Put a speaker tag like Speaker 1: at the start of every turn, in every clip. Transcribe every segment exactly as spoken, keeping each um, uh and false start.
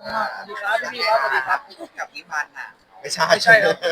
Speaker 1: สวัสดีครับพี่ครับสวัสดีครับ
Speaker 2: กับพี่พันธ์อ่ะ
Speaker 3: ไม่ใช่
Speaker 1: ไม่ใช่ครับ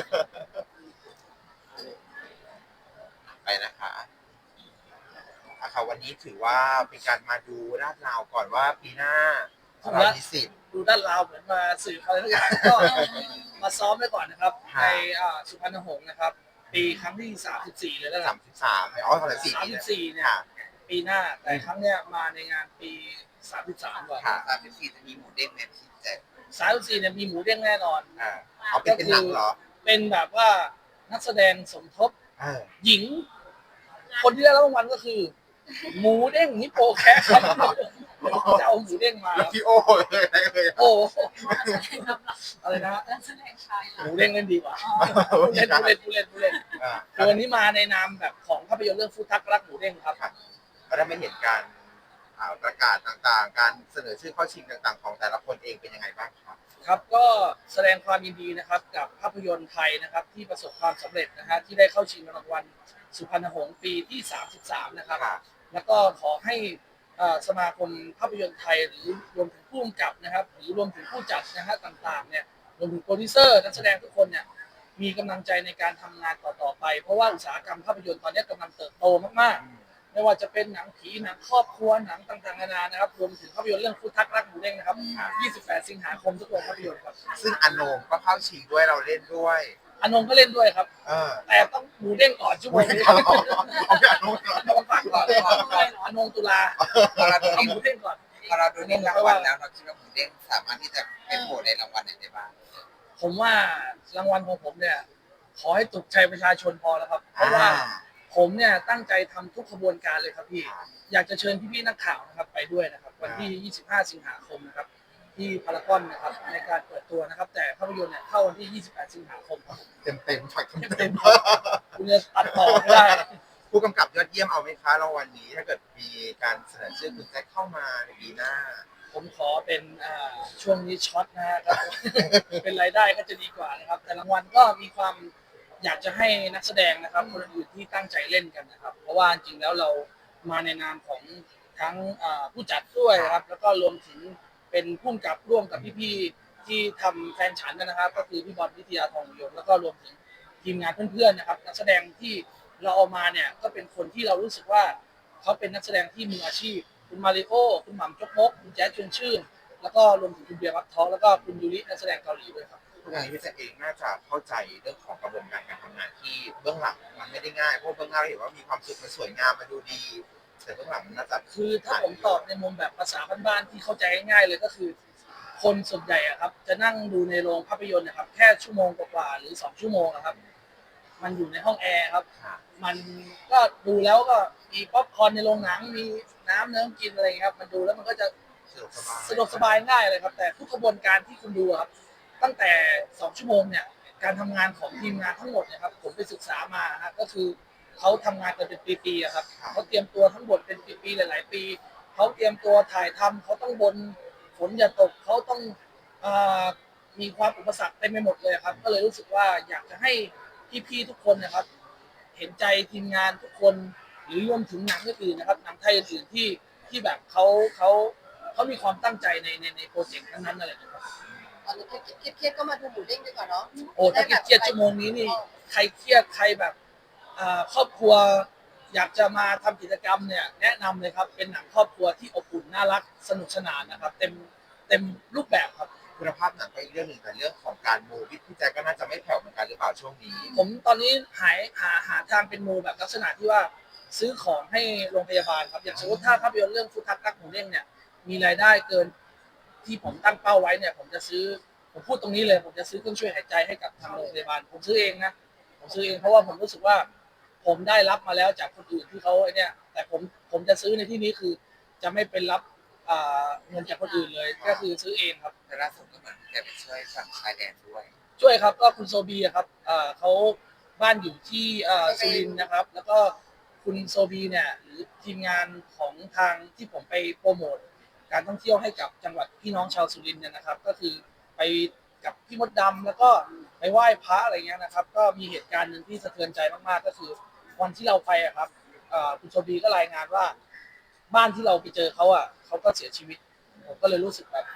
Speaker 3: ไปนะคะอ่ะค่ะวันนี้ถือว่าเป็นการมาดูลาดราวก่อนว่าปีหน้าเรามีสิทธิ์
Speaker 1: ดูด้านเราวเหมือนมาสื่ออะไรทุกอย่างก็มาซ้อมไว้ก่อนนะครับในอ่าสุพรรณหงส์นะครับปีครั้งที่สามสิบสี่เลยแล้วกัน
Speaker 3: สามสิบสามอ๋อสามสิบสี่
Speaker 1: สาม
Speaker 3: ปีแล้ว
Speaker 1: สิบสี่เนี่ย
Speaker 3: ค่ะ
Speaker 1: ปีหน้าแต่ครั้งเนี้ยมาในงานปีสามสิบสามก่อน
Speaker 3: ค่ะ
Speaker 2: สามสิบสี่จะมีหมูเด้งไหมพี่แจ๊ค
Speaker 1: สามสิบสี่เนี่ยมีหมูเด้งแน่นอน
Speaker 3: อ่าเอาเป็นเป็นหนังเหรอ
Speaker 1: เป็นแบบว่านักแสดงสมทบ
Speaker 3: เออ
Speaker 1: หญิง คนที่ได้รับรางวัลก็คือ หมูเด้งนิโปแคะครับจะเอาหมูเด้งมา
Speaker 3: แล้วพี่โอ้เลยอะไรเลย
Speaker 1: โอ้อะไรนะ
Speaker 4: นักแสดงชาย
Speaker 1: หมูเด้งเล่นดีกว่าผู้เล่นผู้เล่นผู้เล่นผู้เล่น
Speaker 3: อ่า
Speaker 1: คือวันนี้มาในนามแบบของภาพยนตร์เรื่องฟูทักรักหมูเด้งครับ
Speaker 3: ก็ได้ไม่เห็นการอ่าประกาศต่างๆ การเสนอชื่อเข้าชิงต่างๆ ของแต่ละคนเองเป็นยังไงบ้างครับ
Speaker 1: ครับก็แสดงความยินดีนะครับกับภาพยนตร์ไทยนะครับที่ประสบความสำเร็จนะฮะที่ได้เข้าชิงรางวัลสุพรรณหงส์ปีที่สามสิบสามนะครับแล้วก็ขอให้สมาคมภาพยนตร์ไทยหรือรวมถึงผู้กำกับนะครับหรือรวมถึงผู้จัดนะฮะต่างๆเนี่ยรวมถึงโปรดิวเซอร์นักแสดงทุกคนเนี่ยมีกำลังใจในการทำงานต่อๆไปเพราะว่าอุตสาหกรรมภาพยนตร์ตอนนี้กำลังเติบโตมากๆไม่ว่าจะเป็นหนังผีหนังครอบครัวหนังต่างๆนานานะครับรวมถึงภาพยนตร์เรื่องฟูทักรักหมูเด้งนะครับยี่สิบแปดสิงหาคมทุกโรงภาพยนตร์ครับ
Speaker 3: ซึ่งอโนมก็เข้าชิงด้วยเราเล่นด้วย
Speaker 1: อนงก็เล่นด้วยครับ
Speaker 3: เออ
Speaker 1: แต่ต้องหมูเด้งก่อนชั่วโมงนี้
Speaker 3: เอาพี่อโนมก่อน
Speaker 1: ต้องฟังก่อนอนงตุลา
Speaker 2: พอเราดู
Speaker 1: เอาหมูเด้งก่อน
Speaker 2: พอเราดูนี่รางวัลแล้วเราคิดว่าหมูเด้งสามารถที่จะเป็นโผล่ในรางวัลไหนได้บ้าง
Speaker 1: ผมว่ารางวัลของผมเนี่ยขอให้ตกใจประชาชนพอแล้วครับเพราะว่าผมเนี่ยตั้งใจทำทุกขบวนการเลยครับพี่อยากจะเชิญพี่ๆนักข่าวนะครับไปด้วยนะครับวันที่ยี่สิบห้าสิงหาคมนะครับที่พารากอนนะครับในการเปิดตัวนะครับแต่ภาพยนตร์เนี่ยเข้าวันที่ยี่สิบแปดสิงหาคมครับ
Speaker 3: เต็มเต็มฝักเต็ม
Speaker 1: เต็
Speaker 3: เต็
Speaker 1: ม
Speaker 3: ม
Speaker 1: ๆคุณจะตัดต่อไม่ได้
Speaker 3: ผู้กำกับยอดเยี่ยมเอาไหมคะรางวัลนี้ถ้าเกิดมีการเสนอชื่อคุณแจ็คเข้ามาในปีหน้า
Speaker 1: ผมขอเป็นช่วงนี้ช็อตนะครับ เป็นรายได้ก็จะดีกว่านะครับแต่รางวัลก็มีความอยากจะให้นักแสดงนะครับคนอื่นที่ตั้งใจเล่นกันนะครับเพราะว่าจริงแล้วเรามาในนามของทั้งผู้จัดด้วยครับแล้วก็รวมถึงเป็นผู้กำกับร่วมกับพี่ๆที่ทำแฟนฉันนะครับก็คือพี่บอลวิทยาทองยงแล้วก็รวมถึงทีมงานเพื่อนๆนะครับนักแสดงที่เราเอามาเนี่ยก็เป็นคนที่เรารู้สึกว่าเขาเป็นนักแสดงที่มืออาชีพคุณมาริโอคุณหม่ำจกมกคุณแจ๊สชวนชื่นแล้วก็รวมถึงคุณเบียร์วัดท้อแล้วก็คุณยูรินักแสดงเกาหลีด้วยครับ
Speaker 3: ทุกวันนี้พี่แจ็คเองน่าจะเข้าใจเรื่องของกระบวนการการทำงานที่เบื้องหลังมันไม่ได้ง่ายเพราะเบื้องหน้าเราเห็นว่ามีความสุขมันสวยงามมันดูดีแต่เบื้องหลังมันน่าจะ
Speaker 1: คือถ้าผมตอบในมุมแบบภาษาบ้านๆที่เข้าใจง่ายๆเลยก็คือคนส่วนใหญ่อะครับจะนั่งดูในโรงภาพยนตร์นะครับแค่ชั่วโมงกว่าๆหรือสองชั่วโมงนะครับมันอยู่ในห้องแอร์ครับมันก็ดูแล้วก็มีป๊อปคอร์นในโรงหนังมีน้ำเนื้อกินอะไรครับมันดูแล้วมันก็จะสะดวกสบายง่ายเลยครับแต่ทุกกระบวนการที่คุณดูครับตั้งแต่สองชั่วโมงเนี่ยการทำงานของทีมงานทั้งหมดเนี่ยครับผมไปศึกษามาฮะก็คือเขาทำงานกันเป็นปีๆครับเขาเตรียมตัวทั้งหมดเป็นปีๆหลายๆปีเขาเตรียมตัวถ่ายทำเขาต้องบนฝนอย่าตกเขาต้องมีความอุปสรรคเต็มไปหมดเลยครับก็เลยรู้สึกว่าอยากจะให้พี่ๆทุกคนนะครับเห็นใจทีมงานทุกคนหรือรวมถึงหนังอื่นนะครับหนังไทยอื่นที่ที่แบบเขาเขาเขามีความตั้งใจในในในโปรเจกต์นั้นๆอะไรอย่างเงี้ยครับ
Speaker 4: ตอนนี้เครียดๆก็มาดูหมูเด้งดีกว่าเนาะ
Speaker 1: โอ้ถ้าเครียดชั่วโมงนี้นี่ใครเครียดใครแบบครอบครัวอยากจะมาทำกิจกรรมเนี่ยแนะนำเลยครับเป็นหนังครอบครัวที่อบอุ่นน่ารักสนุกสนานนะครับเต็มเต็มรูปแบบครับ
Speaker 3: คุณภาพหนังก็อีกเรื่องหนึ่งแต่เรื่องของการมูพี่พี่แจ็คก็น่าจะไม่แผ่วเหมือนกันหรือเปล่าช่วงนี้
Speaker 1: ผมตอนนี้หายหาหาทางเป็นมูแบบลักษณะที่ว่าซื้อของให้โรงพยาบาลครับอย่างสมมติถ้าภาพยนตร์เรื่องฟูทักรักหมูเด้งเนี่ยมีรายได้เกินที่ผมตั้งเป้าไว้เนี่ยผมจะซื้อผมพูดตรงนี้เลยผมจะซื้อเครื่องช่วยหายใจให้กับทางโรงพยาบาลผมซื้อเองนะผมซื้อเองเพราะว่าผมรู้สึกว่าผมได้รับมาแล้วจากคนอื่นที่เขาไอ้นี่แต่ผมผมจะซื้อในที่นี้คือจะไม่เป็นรับเงินจากคนอื่นเลยก็คือซื้อเองครับ
Speaker 2: แต่ล่าสุดก็เหมือนแกไปช่วยฝั่งชายแดนด้วย
Speaker 1: ช่วยครับก็คุณโซบีครับเขาบ้านอยู่ที่สุรินทร์นะครับแล้วก็คุณโซบีเนี่ยหรือทีมงานของทางที่ผมไปโปรโมทการท่องเที่ยวให้กับจังหวัดพี่น้องชาวสุรินทร์เนี่ยนะครับก็คือไปกับพี่มดดำแล้วก็ไปไหว้พระอะไรเงี้ยนะครับก็มีเหตุการณ์หนึ่งที่สะเทือนใจมากๆก็คือวันที่เราไปอะครับคุณโซบีก็รายงานว่าบ้านที่เราไปเจอเขาอะเขาก็เสียชีวิตผมก็เลยรู้สึกแบบข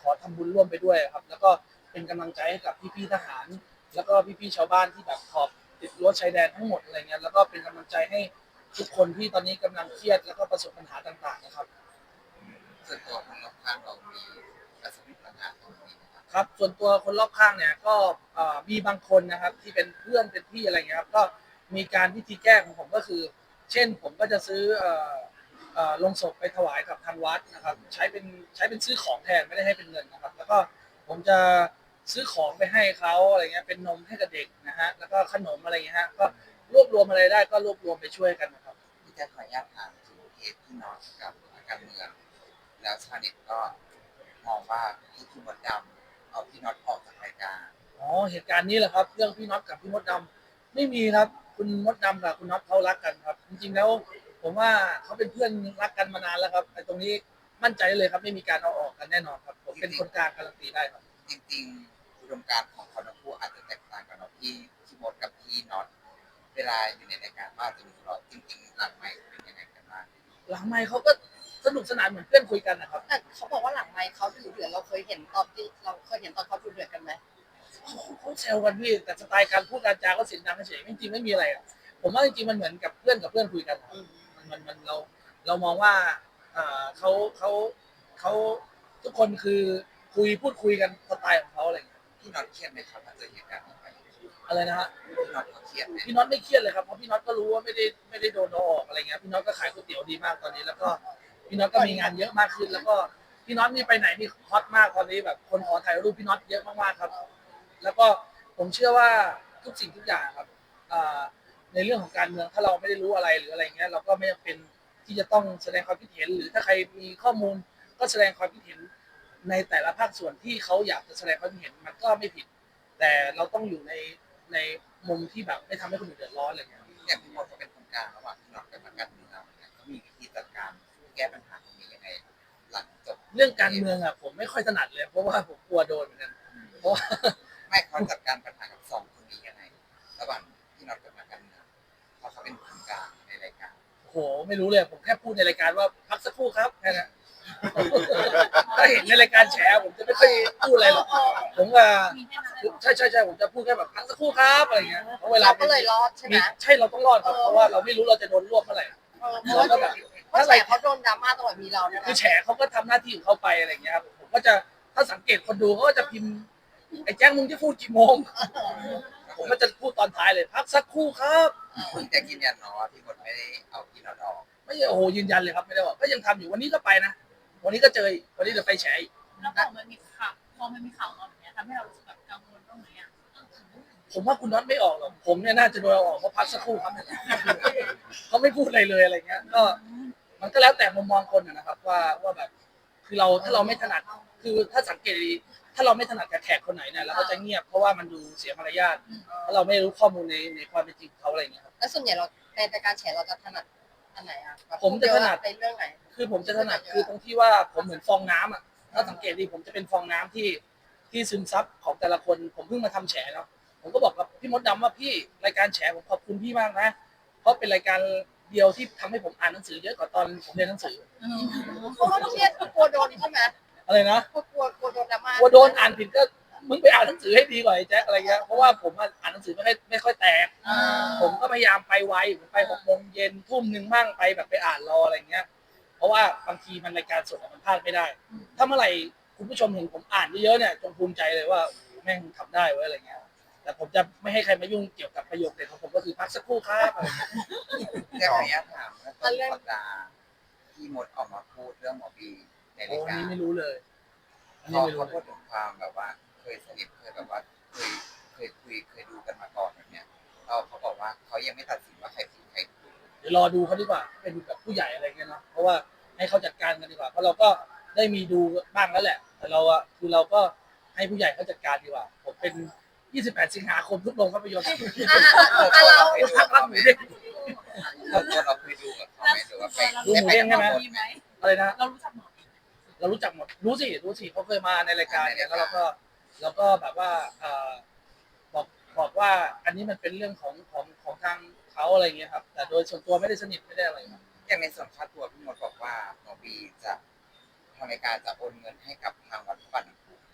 Speaker 1: อทำบุญร่วมไปด้วยครับแล้วก็เป็นกำลังใจให้กับพี่ๆทหาร แล้วก็พี่ๆชาวบ้านที่แบบขอบติดรั้วชายแดนทั้งหมดอะไรเงี้ยแล้วก็เป็นกำลังใจให้ทุกคนที่ตอนนี้กำลังเครียดแล้วก็ประสบปัญหาต่างๆนะครับ
Speaker 2: ส่วนตัวคนรอบข้างเรามีประสบปัญหาตรงนี้นะครับ
Speaker 1: ครับส่วนตัวคนรอบข้างเนี่ยก็เอ่อมีบางคนนะครับที่เป็นเพื่อนเป็นพี่อะไรเงี้ยครับก็มีการวิธีแก้ของผมก็คือ เช่นผมก็จะซื้อเอ่อเอ่อลงศพไปถวายกับทางวัดนะครับใช้เป็นใช้เป็นซื้อของแทนไม่ได้ให้เป็นเงินนะครับแล้วก็ผมจะซื้อของไปให้เขาอะไรเงี้ยเป็นนมให้กับเด็กนะฮะแล้วก็ขนมอะไรเงี้ยฮะก็รวบรวมอะไรได้ก็รวบรวมไปช่วยกันนะครับ
Speaker 2: ที่จะขออนุญาตถามถึงเคสที่น้องกับการเมืองแล้วชาวเน็ตก็มองว่าให้พี่มดดำเอาพี่น็อตออกจากรายการ
Speaker 1: อ๋อเหตุการณ์นี้แหละครับเรื่องพี่น็อตกับพี่มดดำไม่มีครับคุณมดดำกับคุณน็อตเขารักกันครับจริงๆแล้วผมว่าเขาเป็นเพื่อนรักกันมานานแล้วครับไอ้ตรงนี้มั่นใจได้เลยครับไม่มีการเอาออกกันแน่นอนครับผมเป็นคนกลางการันตีได้ครับ
Speaker 2: จริงๆอุดมการณ์ของเขาทั้งคู่อาจจะแตกต่างกันเนาะพี่พี่มดกับพี่น็อตเวลาอยู่ในรายการว่าจะมีทะเลาะจริงๆหลังไมค์เป็นยังไงกันบ้าง
Speaker 1: หลังไมค์เขาก็สนุกสนานเหมือนเพื่อนคุยกันนะครับ
Speaker 4: แต่เขาบอกว่าหลังไมค์เขาดุเดือดเราเคยเห็นตอนที่เราเคยเห็นตอนเขาดุเดือดกันไหม
Speaker 1: เขาแซวกันพี่แต่สไตล์การพูดการจาก็เสียงดังเฉยๆจริงๆไม่มีอะไรอะผมว่าจริงๆมันเหมือนกับเพื่อนกับเพื่อนคุยกันอะ
Speaker 4: อืม
Speaker 1: มันมันมันเราเรามองว่าเอ่อเขาเขาเขาทุกคนคือคุยพูดคุยกันสไตล์ของเขาอะไรอย่างเงี้ย
Speaker 2: พี่น็อตเครียดไหมครับหลังจากเหตุการณ์นี้ไป
Speaker 1: อะไรนะฮะ
Speaker 2: พี่น็อตเขาเครียดไหม
Speaker 1: พี่น็อตไม่เครียดเลยครับเพราะพี่น็อตก็รู้ว่าไม่ได้ไม่ได้โดนเอาออกอะไรเงี้ยพี่น็อตก็ขายก๋วยเตี๋ยวดีมากตอนนี้แล้วก็พี่น็อตก็มีงานเยอะมากขึ้น แล้วก็พี่น็อตนี่ไปไหนนี่ฮอตมากตอนนี้แบบคนขอถ่ายรูปพี่น็อตเยอะมากๆครับ แล้วก็ผมเชื่อว่าทุกสิ่งทุกอย่างครับอ่าในเรื่องของการเมืองถ้าเราไม่ได้รู้อะไรหรืออะไรเงี้ยเราก็ไม่จำเป็นที่จะต้องแสดงความคิดเห็นหรือถ้าใครมีข้อมูลก็แสดงความคิดเห็นในแต่ละภาคส่วนที่เขาอยากจะแสดงความคิดเห็นมันก็ไม่ผิด แต่เราต้องอยู่ในในมุมที่แบบไม่ทำให้คนอื่นเดือดร้อนอะไรเงี้ย
Speaker 2: อย่างพี่มดเขาเป็นคนกลางระหว่างพี่น็อตกับนักการเมืองเนี่ยเขามีวิธีจัดการแก้ปัญหาตรงนี้ยังไงหลังจบ
Speaker 1: เรื่องการเมืองอ่ะผมไม่ค่อยถนัดเลย เพราะว่าผมกลัวโดนเหมือนกันเพราะว่า
Speaker 2: ไม่เขาจัดการปัญหากับสองคนนี้ยังไงระหว่างพี่น็อตกับนักการเมืองเพราะเขาเป็นคนกลางในรายการ
Speaker 1: โอ้โหไม่รู้เลยผมแค่พูดในรายการว่าพักสักครู่ครับแค่นั้น ถ้าเห็นในรายการแฉผมจะไม่ค่อยพูดอะไรหรอกผมก็ใช่ใช่ใช่ผมจะพูดแค่แบบพักสักครู่ครับอะไรเงี้ยเพราะเวลา
Speaker 4: เราก็เลยรอดใช่ไหม
Speaker 1: มีใช่เราต้องรอดครับเพราะว่าเราไม่รู้เราจะโดนรวบเมื่อไหร่
Speaker 4: เออเพราะว่าเพราะแฉเขาโดนดราม่าตลอดมีเราเนี่ย
Speaker 1: คือ
Speaker 4: นะ
Speaker 1: แฉเขาก็ทำหน้าที่ของเขาไปอะไรเงี้ยครับผมก็จะถ้าสังเกตคนดูเขาก็จะพิมพ์ไอ้แจ้งมึงจะพูดกี่โมง ผมก็จะพูดตอนท้ายเลยพักสักครู่ครับ
Speaker 2: คุณจะยืนยันเนาะว่าพี่มดไม่ได้เอาพี่น็อตออก
Speaker 1: ไม่ใช่โอ้โหยืนยันเลยครับไม่ได้ว่าก็ยังทำอยู่วันนี้ก็ไปนะวันนี้ก็เจออีกวันนี้เดี๋ยวไปแฉอีก
Speaker 5: แล้วพอมันมีข่าวพอมันมีข่าวมาแบบเนี้ยทำให้เรารู้สึกแบบกังวลบ้างไหมอ่ะ
Speaker 1: ผมว่าคุณน็อตไม่ออกหรอกผมเนี่ยน่าจะโดนเอาออกเพราะพักสักครู่ครับเนี่ยเขาไม่พูดอะไรเลยอะไรเงี้ยก็มันก็แล้วแต่มุมมองคนอะนะครับว่าว่าแบบคือเราถ้าเราไม่ถนัดคือถ้าสังเกตดีถ้าเราไม่ถนัดกับแขกคนไหนเนี่ยเราก็จะเงียบเพราะว่ามันดูเสียมารยาทเพราะเราไม่รู้ข้อมูลในในความเป็นจริงของเขาอะไรเงี้ยครับ
Speaker 4: แล้วส่วนใหญ่เราในรายการแฉเราจะถนัดอันไหนอ่ะแบบ
Speaker 1: ผมจะถนัด
Speaker 4: ในเรื่องไหน
Speaker 1: คือผมจะถนัดคือตรงที่ว่าผมเหมือนฟองน้ำอ่ะถ้าสังเกตดีผมจะเป็นฟองน้ำที่ที่ซึมซับของแต่ละคนผมเพิ่งมาทำแฉเนาะผมก็บอกกับพี่มดดำว่าพี่รายการแฉผมขอบคุณพี่มากนะเพราะเป็นรายการเดียวที่ทำให้ผมอ่านหนังสือเยอะกว่าตอนผมเรียนหนังสือ
Speaker 4: เพราะว่าเครียดกลัวโดนใช่ไหม
Speaker 1: อะไรนะ
Speaker 4: กลัวกลัวกลัวโดนดราม่าก
Speaker 1: ลัวโดนอ่านผิดก็มึงไปอ่านหนังสือให้ดีกว่าไอ้แจ็คอะไรเงี้ยเพราะว่าผมอะอ่านหนังสือไม่ค่อยไม่ค่อยแตก
Speaker 4: อ่า
Speaker 1: ผมก็พยายามไปไวผมไปหกโมงเย็นทุ่มหนึ่งมั่งไปแบบไปอ่านรออะไรเงี้ย เพราะว่าบางทีมันรายการสดอะมันพลาดไม่ได้ ถ้าเมื่อไหร่คุณผู้ชมเห็นผมอ่านเยอะๆเนี่ยจงภูมิใจเลยว่าแม่งทำได้เว้ยอะไรเงี้ย แต่ผมจะไม่ให้ใครมายุ่งเกี่ยวกับประโยคเด็ดของผมก็คือพักสักครู่ครับอะไรเงี้ย
Speaker 2: แต่ขออนุญาตถามว่าต้นสัปดาห์พี่มดออกมาพูดเรื่องหมอบีใน
Speaker 1: โอ้
Speaker 2: ราย
Speaker 1: อัน
Speaker 2: การ
Speaker 1: นี้ไม่รู้เลยอัน
Speaker 2: พ
Speaker 1: นี้
Speaker 2: อ
Speaker 1: ไม่รู้
Speaker 2: เขา
Speaker 1: เล
Speaker 2: พูด
Speaker 1: ย
Speaker 2: ถึงความแบบว่าเคยสนิทเคยแบบว่าเคยเคยคุยเคยดูกันมาก่อนแบบเนี้ยเราเขาบอกว่าเขายังไม่ตัดสินว่าใครผิดใครถูก
Speaker 1: เดี๋ยวรอดูเขาดีกว่าเป็นแบบผู้ใหญ่อะไรเงี้ยเนาะเพราะว่าให้เขาจัดการกันดีกว่าเพราะเราก็ได้มีดูบ้างแล้วแหละ แต่เราอะคือเราก็ให้ผู้ใหญ่เขาจัดการดีกว่า ผมเป็น ยี่สิบแปด สิงหาคมทุกโรงภาพยนตร์
Speaker 4: อ่ะอ่ะเรา
Speaker 1: พักรักหมูเด้ง
Speaker 2: เราตัวเราเคยดูกับเขาไหมหรือว่าไป
Speaker 1: ดูหมู
Speaker 2: ได้
Speaker 1: เด้ง
Speaker 2: ไป
Speaker 1: ใช่ไหม
Speaker 2: กับ
Speaker 5: มีไหม
Speaker 1: อะไรนะ
Speaker 5: เรารู้จักหมอ
Speaker 1: เรารู้จักหมดรู้สิรู้สิเขาเคยมาในรายการเนี่ยแล้วเราก็เราก็แบบว่าเอ่อบอกบอกว่าอันนี้มันเป็นเรื่องของของของทางเขาอะไรเงี้ยครับ แต่โดยส่วนตัวไม่ได้สนิทไม่ได้อะไรครับ
Speaker 2: อย่างในส่วนค่าตัวพี่มดบอกว่าหมอบีจะทางรายการจะโอนเงินให้กับทางวัดพระบาทน้ำพุ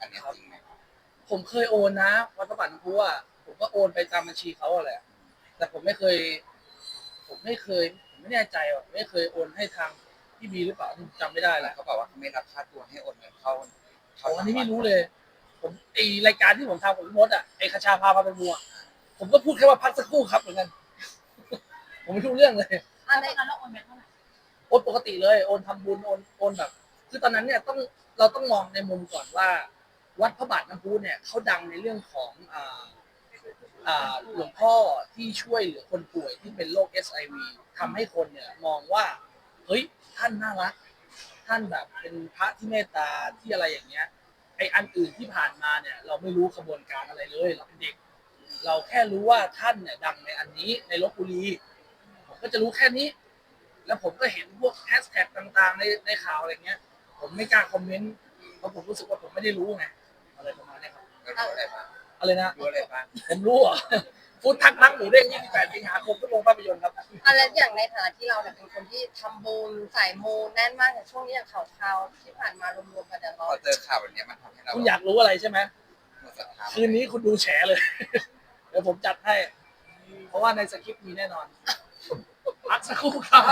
Speaker 2: อันเนี้ยจริงไหม
Speaker 1: ผมเคยโอนนะวัดพระบาทน้ำพุอ่ะผมก็โอนไปตามบัญชีเขาอะแหละแต่ผมไม่เคย ผมไม่เคยผมไม่แน่ใจว่าไม่เคยโอนให้ทางพี่บีหรือเปล่าผมจำไม่ได้แห
Speaker 2: แต่
Speaker 1: ละ
Speaker 2: เขาบอกว่าเขาไม่รับค่าตัวให้โอนเงินเข้า
Speaker 1: เขาอันนี้ไม่รู้เลย ผมไอรายการที่ผมทำกับพี่มดอ่ะไอคชาพาพาไปมัวผมก็พูดแค่ว่าพักสักครู่ครับเหมือนกัน ผมไม่รู้เรื่องเลย
Speaker 5: ตอนนั้นเราโอนไปเท่าไหร่
Speaker 1: โอนปกติเลยโอนทำบุญโอนโอนแบบ คือตอนนั้นเนี่ยต้องเราต้องมองในมุมก่อนว่า วัดพระบาทน้ำพุเนี่ยเขาดังในเรื่องของอ่าอ่าหลวงพ่อที่ช่วยเหลือคนป่วยที่เป็นโรค เอช ไอ วี ทำให้คนเนี่ยมองว่าเฮ้ยท่านน่ารัก ท่านแบบเป็นพระที่เมตตาที่อะไรอย่างเงี้ยไออันอื่นที่ผ่านมาเนี่ย เราไม่รู้ขบวนการอะไรเลยเราเป็นเด็ก เราแค่รู้ว่าท่านเนี่ยดังในอันนี้ในลพบุรีผมก็จะรู้แค่นี้ แล้วผมก็เห็นพวกแฮชแท็กต่างๆในในข่าวอะไรเงี้ย ผมไม่กล้าคอมเมนต์เพราะผมรู้สึกว่าผมไม่ได้รู้ไงอะไรประมาณเนี้ยครับ
Speaker 2: แล้วรู้อะไรบ้าง
Speaker 1: อะไรนะ
Speaker 2: รู้อะไรบ้าง
Speaker 1: ผมรู้เหรอฟูดทักนักหมูเด้งยี่สิบแปดสิงหาคมทุกโรงภาพยนตร์ครับ
Speaker 4: อะไรอย่างในฐานะที่เราเนี่ยเป็นคนที่ทำบุญสายมูแน่นมากอย่างช่วงนี้อย่างข่าวๆที่ผ่านมารวมๆกันเดี๋ยว
Speaker 2: พ
Speaker 4: เรา
Speaker 2: อเจอข่าวแบบเนี้ยมันทำให้เรา
Speaker 1: คุณอยากรู้อะไรใช่ไหม
Speaker 2: หมดศรัทธา
Speaker 1: คืนนี้คุณดูแฉเลย เดี๋ยวผมจัดให้ เพราะว่าในสคริปต์มีแน่นอนพักสักครู่ครับ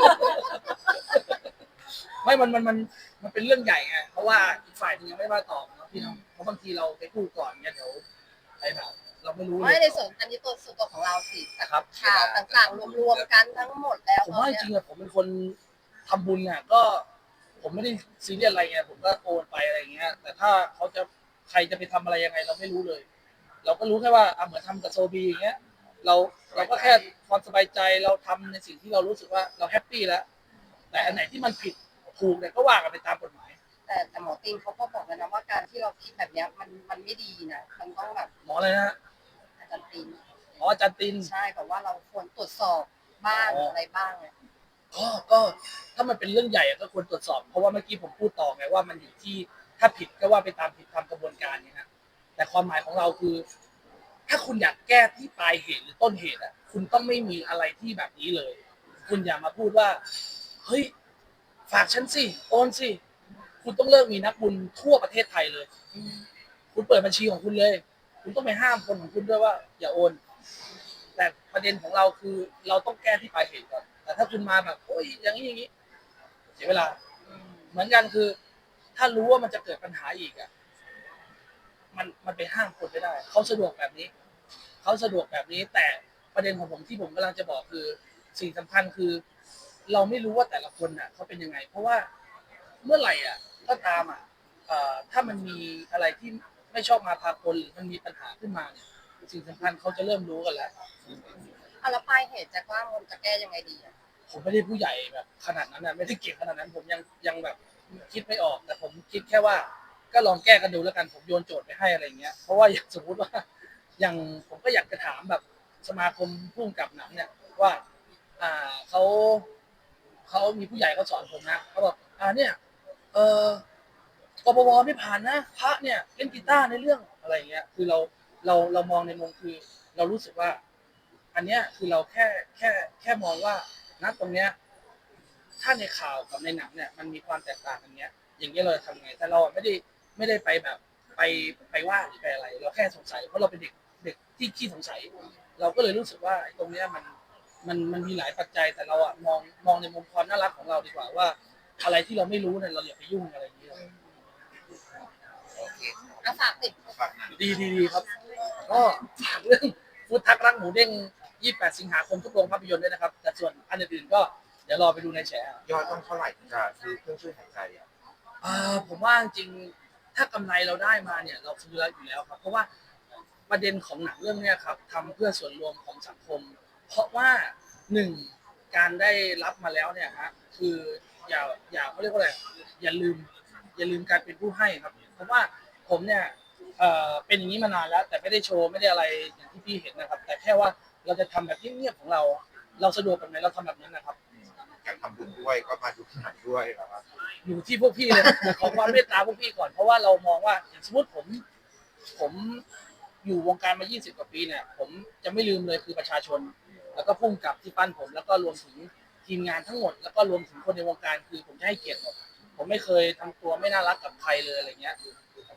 Speaker 1: ไม่มันมันมันมันเป็นเรื่องใหญ่ไงเพราะว่าอีกฝ่ายหนึงยังไม่มาตอบเนาะพี่น้องเพราะบางทีเราไปพูดก่อนเนี่ยเดี๋ยวไปแบบเราไม่รู้เล
Speaker 4: ไม่
Speaker 1: ย
Speaker 4: ในส่วนอันนี้ตัวส่วนตัวของเราสิแต่
Speaker 1: ครับ
Speaker 4: ข่าวต่างๆ รวมๆกันทั้งหมดแล้ว
Speaker 1: ผมว่าจริงๆอะผมเป็นคนทำบุญอ่ะก็ ผมไม่ได้ซีเรียสอะไรไงผมก็โอนไปอะไรอย่างเงี้ย แต่ถ้าเขาจะใครจะไปทำอะไรยังไงเราไม่รู้เลย เราก็รู้แค่ว่าอ่ะเหมือนทำกับโซบีอย่างเงี้ย เราเราก็แค่ความสบายใจเราทำในสิ่งที่เรารู้สึกว่าเราแฮปปี้แล้ว แต่อันไหนที่มันผิดถูกเนี่ยก็ว่ากันไปตามกฎหมาย
Speaker 4: แต่แต่หมอตีนเขาก็บอกแล้วนะว่าการที่เราคิดแบบเนี้ยมันมันไม่ดีนะมันต้องแบบ
Speaker 1: หมออะไรนะ
Speaker 4: อาจารย์ตีน
Speaker 1: หมออาจารย์ติน
Speaker 4: ใช่แบบว่าเราควรตรวจสอบบ้างอะไรบ้างเนี่ย
Speaker 1: ก็ก็ถ้ามันเป็นเรื่องใหญ่อะก็ควรตรวจสอบ เพราะว่าเมื่อกี้ผมพูดต่อไงว่ามันอยู่ที่ถ้าผิดก็ว่าไปตามผิดตามกระบวนการเนี่ยนะแต่ความหมายของเราคือ ถ้าคุณอยากแก้ที่ปลายเหตุหรือต้นเหตุอ่ะคุณต้องไม่มีอะไรที่แบบนี้เลย คุณอย่ามาพูดว่าเฮ้ยฝากฉันสิโอนสิคุณต้องเลิกมีนักบุญทั่วประเทศไทยเลย คุณเปิดบัญชีของคุณเลย คุณต้องไปห้ามคนของคุณด้วยว่า อย่าโอน แต่ประเด็นของเราคือเราต้องแก้ที่ปลายเหตุก่อน แต่ถ้าคุณมาแบบโอ้ยอย่างนี้อย่างนี้เสียเวลา เหมือนกันคือ ถ้ารู้ว่ามันจะเกิดปัญหาอีกอ่ะมันมันไปห้ามคนไม่ได้เขาสะดวกแบบนี้เขาสะดวกแบบนี้ แต่ประเด็นของผมที่ผมกำลังจะบอกคือ สิ่งสำคัญคือ เราไม่รู้ว่าแต่ละคนน่ะเขาเป็นยังไง เพราะว่าเมื่อไหร่อ่ะก็ตามอ่ะเอ่อถ้ามันมีอะไรที่ไม่ชอบมาพากลหรือมันมีปัญหาขึ้นมาเนี่ยสิ่งสำคัญเขาจะเริ่มรู้กันแล้ว
Speaker 4: เอาแล้วปลายเหตุจะกว้างมันจะแก้ยังไงดีอะ
Speaker 1: ผมไม่ได้ผู้ใหญ่แบบขนาดนั้นนะไม่ได้เก่งขนาดนั้น ผมยังยังแบบคิดไม่ออก แต่ผมคิดแค่ว่า ก็ลองแก้กันดูแล้วกันผมโยนโจทย์ไปให้อะไรเงี้ยเพราะว่าอย่างสมมุติว่า อย่างผมก็อยากจะถามแบบสมาคมผู้กำกับหนังเนี่ยว่า อ่าเขาเขามีผู้ใหญ่เขาสอนผมนะเขาบอกอ่าเนี่ยเออกปปไม่ผ่านนะพระเนี่ยเล่นกีตาร์ในเรื่องอะไรเงี้ยคือเราเราเรามองในมุมคือ เรารู้สึกว่า อันเนี้ยคือเราแค่แค่แค่มองว่าณตรงเนี้ยถ้าในข่าวกับในหนังเนี่ยมันมีความแตกต่างกันเนี้ย อย่างเงี้ยเราทำไงแต่เราไม่ได้ไม่ได้ไปแบบไปไปว่าหรือไปอะไร เราแค่สงสัยเพราะเราเป็นเด็กเด็กที่ขี้สงสัย เราก็เลยรู้สึกว่าไอ้ตรงเนี้ยมันมันมันมีหลายปัจจัยแต่เราอะมองมองในมุมความน่ารักของเราดีกว่าว่า อะไรที่เราไม่รู้เนี่ยเราอย่าไปยุ่งอะไรอย่างเงี้ย
Speaker 2: โอเค
Speaker 4: อาฝากติด
Speaker 3: ฝากหนัง
Speaker 1: ดีดีดีครับ ก็ฝากเรื่องฟูดทักรักหมูเด้งยี่สิบแปดสิงหาคมทุกโรงภาพยนตร์ด้วยนะครับ แต่ส่วนอันอื่นๆก็เดี๋ยวรอไปดูในแฉ
Speaker 3: ยอดต้องเท่าไหร่ถึงจะซื้อเครื่องช่วยหายใจอ่ะ
Speaker 1: อ่าผมว่าจริงๆถ้ากำไรเราได้มาเนี่ย เราซื้อแล้วอยู่แล้วครับ เพราะว่าประเด็นของหนังเรื่องเนี้ยครับทำเพื่อส่วนรวมของสังคม เพราะว่าหนึ่งการได้รับมาแล้วเนี่ยฮะคืออย่าอย่าเขาเรียกว่าอะไรอย่าลืม อย่าลืมการเป็นผู้ให้ครับเพราะว่าผมเนี่ยเอ่อเป็นอย่างนี้มานานแล้ว แต่ไม่ได้โชว์ไม่ได้อะไรอย่างที่พี่เห็นนะครับ แต่แค่ว่าเราจะทำแบบเงียบๆของเรา เราสะดวกแบบไหนเราทำแบบนั้นนะครับ
Speaker 3: อยากทำบุญด้วยก็มาดูหนังด้วยนะครับ
Speaker 1: อยู่ที่พวกพี่เลย ขอความเมตตาพวกพี่ก่อนเพราะว่าเรามองว่าอย่างสมมติผม ผมอยู่วงการมายี่สิบกว่าปีเนี่ย ผมจะไม่ลืมเลยคือประชาชน แล้วก็พุ่งกับที่ปั้นผม แล้วก็รวมถึงทีมงานทั้งหมด แล้วก็รวมถึงคนในวงการคือผมจะให้เกียรติหมดผมไม่เคยทำตัวไม่น่ารักกับใครเลยอะไรเงี้ย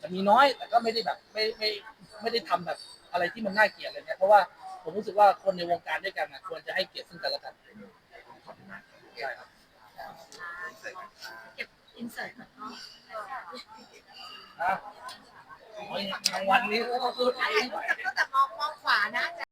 Speaker 1: จะมีน้อยแต่ก็ไม่ได้แบบไม่ไม่ไม่ได้ทำแบบอะไรที่มันน่าเกลียดอะไรเงี้ยเพราะว่าผมรู้สึกว่าคนในวงการด้วยกันนะควรจะให้เกียรติซึ่งกันและกันใช่ครับ
Speaker 5: เก็บอินเสิร์ตก่อนเนาะ
Speaker 1: อ่ะรางวัลนี้ก็ต้องพูดเอง
Speaker 4: แต่มองมองขวานะ